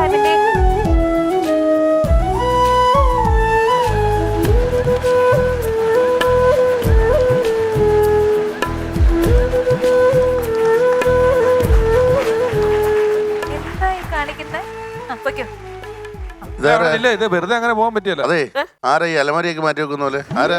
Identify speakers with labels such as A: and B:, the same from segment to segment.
A: ഇത് വെറുതെ അങ്ങനെ പോകാൻ പറ്റിയല്ലോ.
B: അതെ, ആരാ ഈ അലമാരിയൊക്കെ മാറ്റി വെക്കുന്ന പോലെ? ആരാ?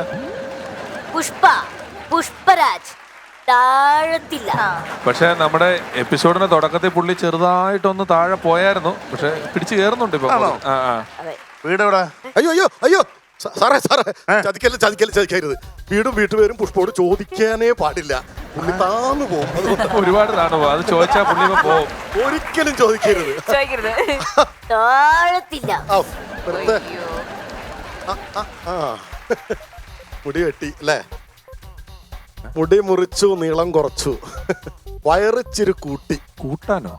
C: പുഷ്പരാജ് താഴത്തില്ല.
A: പക്ഷെ നമ്മുടെ എപ്പിസോഡിന്റെ തുടക്കത്തിൽ പുള്ളി ചെറുതായിട്ടൊന്ന് താഴെ പോയായിരുന്നു. പക്ഷെ പിടിച്ചു കയറുന്നുണ്ട് ഇപ്പൊ.
B: വീടെവിടാ?
D: അയ്യോ അയ്യോ അയ്യോ സാറേ ചതിക്കരുത്. വീടും വീട്ടുപേരും പുഷ്പോട് ചോദിക്കാനേ പാടില്ല. പുള്ളി താന്നു പോകും.
A: ഒരുപാട് താണു പോകും. അത് ചോദിച്ചാ പുള്ളി പോകും.
D: ഒരിക്കലും ചോദിക്കരുത്.
C: താഴത്തില്ല.
D: മുടി വെട്ടി അല്ലേ? മുടി മുറിച്ചു, നീളം കുറച്ചു, വയറിച്ചിരി
A: കൂട്ടാനോ?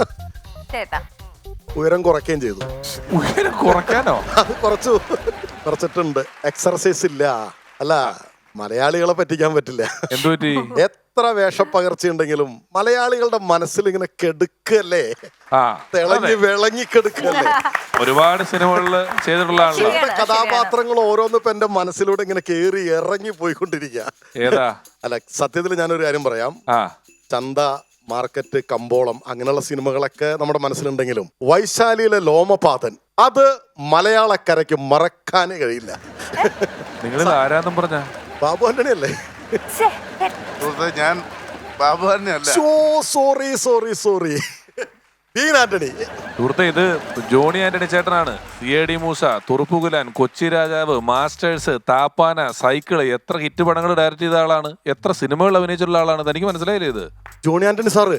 D: ഉയരം കുറയ്ക്കുകയും ചെയ്തു.
A: ഉയരം കുറയ്ക്കാനോ?
D: അത് കുറച്ചിട്ടുണ്ട്. എക്സർസൈസ് ഇല്ല. അല്ല, മലയാളികളെ പറ്റിക്കാൻ പറ്റില്ല.
A: എന്തുപറ്റി?
D: എത്ര വേഷപ്പകർച്ചയുണ്ടെങ്കിലും മലയാളികളുടെ മനസ്സിൽ ഇങ്ങനെ കെടുക്കല്ലേ, തിളങ്ങി വിളങ്ങി കെടുക്കല്ലേ.
A: ഒരുപാട് സിനിമകളിൽ ചെയ്തിട്ടുള്ള
D: കഥാപാത്രങ്ങൾ ഓരോന്നും ഇപ്പൊ എന്റെ മനസ്സിലൂടെ ഇങ്ങനെ കേറി ഇറങ്ങി പോയിക്കൊണ്ടിരിക്കുക.
A: ഏതാ?
D: അല്ല, സത്യത്തിൽ ഞാനൊരു കാര്യം പറയാം. ചന്ത, മാർക്കറ്റ്, കമ്പോളം അങ്ങനെയുള്ള സിനിമകളൊക്കെ നമ്മുടെ മനസ്സിലുണ്ടെങ്കിലും വൈശാലിയിലെ ലോമപാതൻ അത് മലയാളക്കരയ്ക്ക് മറക്കാനേ കഴിയില്ല.
A: നിങ്ങൾ ആരാന്നും പറഞ്ഞ
D: ബാബു ആന്റണി അല്ലേ?
B: ഞാൻ ബാബു ആന്റണി.
D: സോറി ആന്റണി.
A: സുഹൃത്തെ, ഇത് ജോണി ആന്റണി ചേട്ടനാണ്. CID Musa, Thuruppugulan, Kochi Rajavu, Masters, Thappana, Cycle, എത്ര ഹിറ്റ് പടങ്ങൾ ഡയറക്ട് ചെയ്ത ആളാണ്, എത്ര സിനിമകൾ അഭിനയിച്ചിട്ടുള്ള ആളാണ്. തനിക്ക് മനസ്സിലായില്ലേ ഇത്?
D: ജോണി ആന്റണി സാറ്.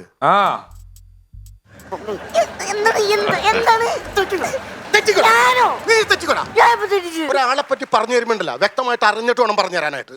D: ഒരാളെ പറ്റി പറഞ്ഞു തരുമ്പോണ്ടല്ലോ, വ്യക്തമായിട്ട് അറിഞ്ഞിട്ട് വേണം പറഞ്ഞു തരാനായിട്ട്.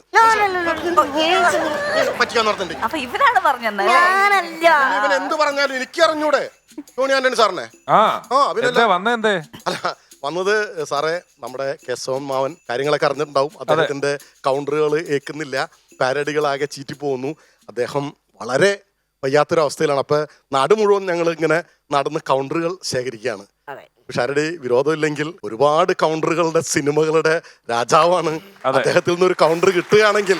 D: ഇവൻ എന്ത് പറഞ്ഞാലും എനിക്ക് അറിഞ്ഞൂടെ ജോണി ആന്റണി സാറിനെ? അല്ല, വന്നത് സാറേ, നമ്മുടെ കേശവൻ മാവൻ കാര്യങ്ങളൊക്കെ അറിഞ്ഞിട്ടുണ്ടാവും. അദ്ദേഹത്തിന്റെ കൗണ്ടറുകൾ ഏൽക്കുന്നില്ല, പാരഡികളാകെ ചീറ്റി പോകുന്നു. അദ്ദേഹം വളരെ വയ്യാത്തൊരവസ്ഥയിലാണ്. അപ്പൊ നാട് മുഴുവൻ ഞങ്ങൾ ഇങ്ങനെ നടന്ന് കൗണ്ടറുകൾ ശേഖരിക്കുകയാണ്. ഷാരടി വിരോധമില്ലെങ്കിൽ ഒരുപാട് കൗണ്ടറുകളുടെ സിനിമകളുടെ രാജാവാണ്. അദ്ദേഹത്തിൽ നിന്ന് ഒരു കൗണ്ടർ കിട്ടുകയാണെങ്കിൽ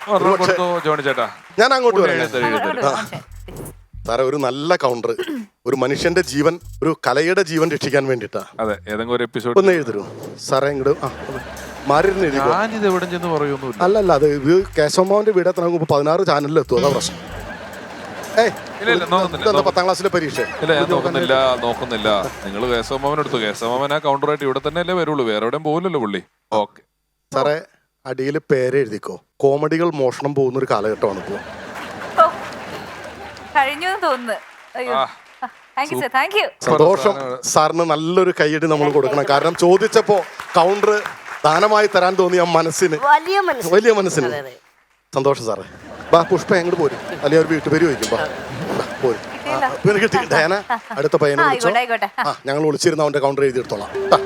D: ഞാൻ അങ്ങോട്ട് പറയാം. സാറേ, ഒരു നല്ല കൗണ്ടർ, ഒരു മനുഷ്യന്റെ ജീവൻ, ഒരു കലയുടെ ജീവൻ രക്ഷിക്കാൻ വേണ്ടിട്ടാ. ഒന്ന് എഴുതരൂ സാറേ. ഇങ്ങോട്ട് മാറിയിരുന്ന് അല്ലല്ല, അത് ഇത് കേശവമാവന്റെ വീട് എത്ര 16 ചാനലിൽ എത്തും. അതാ പ്രശ്നം. 10ാം ക്ലാസ്സിലെ പരീക്ഷ
A: നോക്കുന്നില്ല. നിങ്ങൾ കേശവമാമൻ എടുത്തു. കേശവമാമൻ ആ കൗണ്ടറായിട്ട് ഇവിടെ തന്നെ അല്ലേ വരുള്ളൂ, വേറെ എവിടെയും പോകില്ലല്ലോ പുള്ളി. ഓക്കെ
D: സാറേ, അടിയിൽ പേര് എഴുതിക്കോ. കോമഡികൾ മോഷണം പോകുന്ന ഒരു കാലഘട്ടമാണ് ഇപ്പോ. സന്തോഷം. സാറിന് നല്ലൊരു കൈയടി നമ്മൾ കൊടുക്കണം. കാരണം ചോദിച്ചപ്പോ കൗണ്ടർ ദാനമായി തരാൻ തോന്നിയ മനസ്സിന്, വലിയ മനസ്സിന് സന്തോഷം സാറേ. പുഷ്പ എങ്ങോട്ട് പോരും, അല്ലെങ്കിൽ ഒരു വീട്ടുപേര് ചോദിക്കും. പോരും. ഡയാന, അടുത്ത പയ്യനെ വിളിച്ചോ. ഞങ്ങൾ വിളിച്ചിരുന്ന അവന്റെ കൗണ്ടർ എഴുതിയെടുത്തോളാം.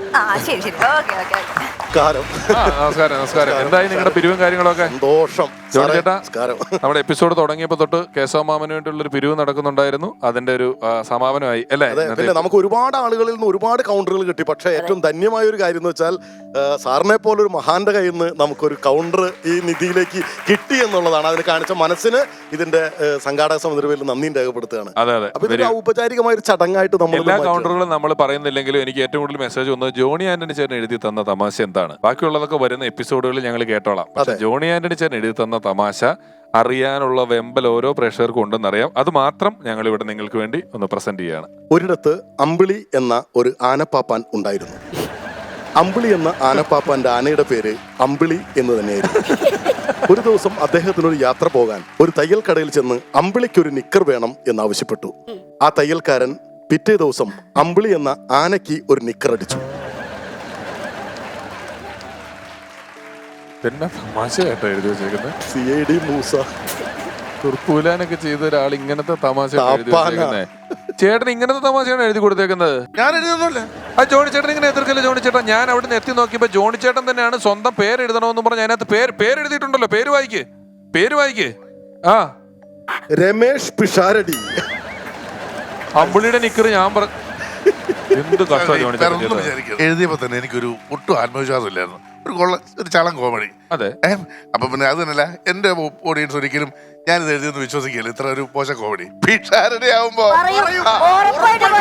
A: നമസ്കാരം. എന്തായി നിങ്ങളുടെ പിരിവും കാര്യങ്ങളൊക്കെ?
D: സന്തോഷം.
A: നമ്മുടെ എപ്പിസോഡ് തുടങ്ങിയപ്പോ തൊട്ട് കേശവമാമന് വേണ്ടിയുള്ള ഒരു പിരിവ് നടക്കുന്നുണ്ടായിരുന്നു. അതിന്റെ ഒരു സമാപനമായി അല്ലേ?
D: പിന്നെ നമുക്ക് ഒരുപാട് ആളുകളിൽ നിന്ന് ഒരുപാട് കൗണ്ടറുകൾ കിട്ടി. പക്ഷെ ഏറ്റവും ധന്യമായ ഒരു കാര്യം എന്ന് വെച്ചാൽ സാറിനെ പോലെ ഒരു മഹാന്റെ കയ്യിൽ നിന്ന് നമുക്കൊരു കൗണ്ടർ ഈ നിധിയിലേക്ക് കിട്ടി എന്നുള്ളതാണ്. അതിന് കാണിച്ച മനസ്സിന് ഇതിന്റെ സംഘാടക സമിതിയുടെ പേരിൽ നന്ദി രേഖപ്പെടുത്തുകയാണ്. അപ്പൊ ഇതൊരു ഔപചാരികമായ ഒരു ചടങ്ങായിട്ട് നമ്മൾ
A: എല്ലാ കൗണ്ടറുകളും നമ്മൾ പറയുന്നില്ലെങ്കിലും എനിക്ക് ഏറ്റവും കൂടുതൽ മെസ്സേജ് വന്നത് ജോണി ആന്റണി ചേട്ടൻ എഴുതി തന്ന തമാശ എന്താണ്. ബാക്കിയുള്ളതൊക്കെ വരുന്ന എപ്പിസോഡുകളിൽ ഞങ്ങൾ കേട്ടോളാം. പക്ഷെ ജോണി ആന്റണി ചേട്ടൻ എഴുതി തന്ന തമാശ അറിയാനുള്ള വെമ്പൽ ഓരോ പ്രേക്ഷകർക്കും ഉണ്ടെന്നറിയാം. അത് മാത്രം ഞങ്ങൾ ഇവിടെ നിങ്ങൾക്ക് വേണ്ടി ഒന്ന് പ്രസന്റ് ചെയ്യാണ്.
D: ഒരിടത്ത് അമ്പിളി എന്ന ഒരു ആനപ്പാപ്പാൻ ഉണ്ടായിരുന്നു. അമ്പിളി എന്ന ആനപ്പാപ്പാന്റെ ആനയുടെ പേര് അമ്പിളി എന്ന് തന്നെയായിരുന്നു. ഒരു ദിവസം അദ്ദേഹത്തിനൊരു യാത്ര പോകാൻ ഒരു തയ്യൽ കടയിൽ ചെന്ന് അമ്പിളിക്കൊരു നിക്കർ വേണം എന്നാവശ്യപ്പെട്ടു. ആ തയ്യൽക്കാരൻ പിറ്റേ ദിവസം അമ്പിളി എന്ന ആനയ്ക്ക് ഒരു നിക്കർ അടിച്ചു. CID മൂസ,
A: തുർപ്പൂലാനൊക്കെ ചെയ്ത ഒരാൾ ഇങ്ങനത്തെ തമാശ ചേട്ടൻ ഇങ്ങനത്തെ തമാശയാണ് എഴുതി കൊടുത്തേക്കുന്നത്.
B: ഞാൻ എഴുതുന്നില്ല.
A: ആ ജോണി ചേട്ടൻ ഇങ്ങനെ എതിർക്കല്ലേ ജോണി ചേട്ടൻ? ഞാൻ അവിടെ നിന്ന് എത്തി നോക്കിയപ്പോ ജോണി ചേട്ടൻ തന്നെയാണ് സ്വന്തം പേര് എഴുതണമെന്ന് പറഞ്ഞ് അതിനകത്ത് പേര് എഴുതിയിട്ടുണ്ടല്ലോ. പേര് വായിക്ക്. ആ,
D: രമേഷ് പിഷാരടി.
A: അമ്പിളിയുടെ നിക്കറ് ഞാൻ എന്ത് കഷ്ടമാണ് ജോണി ചേട്ടൻ
B: വേറൊന്നും
A: ചെയ്തത്.
B: വിചാരിക്കരുത്. എഴുതിയപ്പോ തന്നെ എനിക്കൊരു ഒട്ടും ആത്മവിശ്വാസം ഇല്ലായിരുന്നു. ഒരു ചളം കോമഡി.
A: അതെ.
B: അപ്പൊ പിന്നെ അത് തന്നെയല്ല, എന്റെ ഓഡിയൻസ് ഒരിക്കലും ഞാനിത് എഴുതിയൊന്നും വിശ്വസിക്കില്ല. ഇത്ര ഒരു പോഷ കോമഡി ഭിക്ഷാരടി ആവുമ്പോ
C: പറയും, ഉറപ്പായിട്ടും